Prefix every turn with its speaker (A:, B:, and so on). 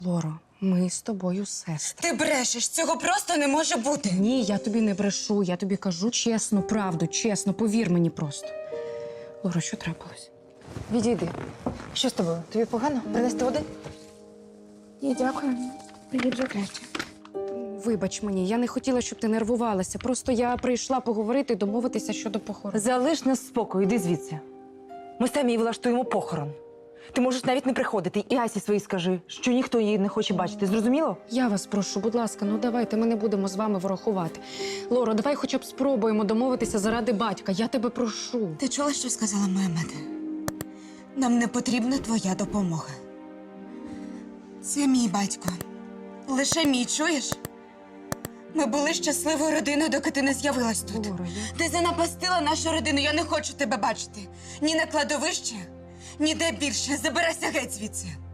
A: Лоро, ми з тобою сестри.
B: Ти брешеш, цього просто не може бути.
A: Ні, я тобі не брешу, я тобі кажу чесну правду, чесно, повір мені просто. Лоро, що трапилось?
C: Відійди. Що з тобою? Тобі погано? Принести води?
A: Ні, дякую. Мені вже краще. Вибач мені, я не хотіла, щоб ти нервувалася. Просто я прийшла поговорити, домовитися щодо похорону.
C: Залиш нас в спокою, йди звідси. Ми самі влаштуємо похорон. Ти можеш навіть не приходити. І Асі своїй скажи, що ніхто її не хоче бачити. Зрозуміло?
A: Я вас прошу, будь ласка, ну давайте, ми не будемо з вами ворохувати. Лоро, давай хоча б спробуємо домовитися заради батька. Я тебе прошу.
B: Ти чула, що сказала моя мати? Нам не потрібна твоя допомога. Це мій батько. Лише мій, чуєш? Ми були щасливою родиною, доки ти не з'явилась тут.
A: Лоро,
B: Ти занапастила нашу родину, я не хочу тебе бачити. Ні на кладовище, ніде більше. Забирайся геть звідси.